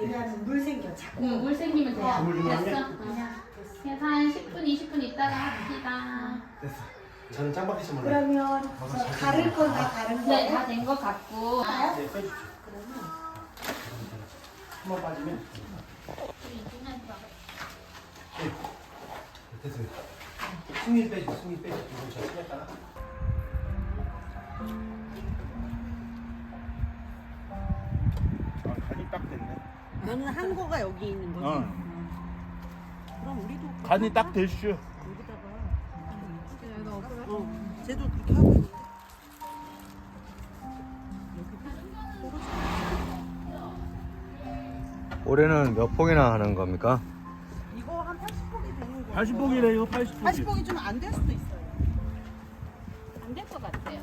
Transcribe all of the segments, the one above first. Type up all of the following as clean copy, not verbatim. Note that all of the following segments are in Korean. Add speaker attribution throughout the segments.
Speaker 1: 왜냐하면 물 생겨 자꾸.
Speaker 2: 물 생기면 돼요.
Speaker 3: 물 좀
Speaker 2: 됐어.
Speaker 3: 하냐?
Speaker 1: 그냥
Speaker 2: 그래서 한 10분, 20분 있다가 합시다.
Speaker 3: 됐어. 저는 짱박이 씨 몰라요.
Speaker 1: 그러면 저 가를 건 다 가른 거.
Speaker 2: 네, 다 된 것 같고.
Speaker 3: 네, 빼주세요. 한번 빠지면. 네. 됐어요. 승리 빼줘, 승리 빼줘. 이건 저 쓰겠다.
Speaker 4: 간이 딱 됐네.
Speaker 5: 너는 한 거가 여기 있는 거지?
Speaker 4: 어.
Speaker 5: 그럼 우리도
Speaker 4: 간이 딱 됐슈.
Speaker 5: 여기다가 쟤도 그렇게 하고 있는데
Speaker 6: 올해는 몇 폭이나 하는 겁니까?
Speaker 5: 이거 한 80폭이 되는 거야.
Speaker 4: 80폭이래요, 80폭이.
Speaker 5: 80폭이 좀 안 될 수도 있어요.
Speaker 2: 안 될 것 같아요.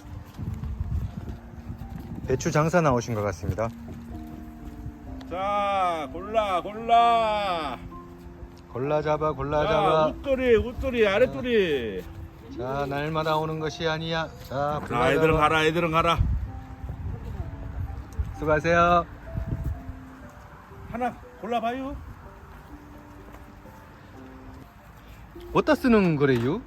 Speaker 6: 배추 장사 나오신 것 같습니다.
Speaker 4: 자, 골라, 골라.
Speaker 6: 골라 잡아, 골라
Speaker 4: 자,
Speaker 6: 잡아.
Speaker 4: 웃돌이, 웃돌이, 아랫돌이.
Speaker 6: 자, 날마다 오는 것이 아니야. 자,
Speaker 4: 자,
Speaker 6: 골라
Speaker 4: 애들은
Speaker 6: 잡아.
Speaker 4: 가라, 애들은 가라.
Speaker 6: 수고하세요.
Speaker 4: 하나 골라봐요.
Speaker 6: 어디다 쓰는 거래요?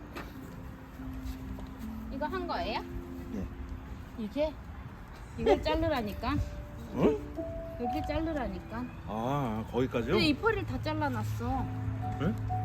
Speaker 2: 이거 한 거예요?
Speaker 4: 네.
Speaker 2: 이게? 이걸 자르라니까.
Speaker 4: 응?
Speaker 2: 여기 자르라니까.
Speaker 4: 아, 거기까지요?
Speaker 2: 근데 이 펄을 다 잘라놨어.
Speaker 4: 응?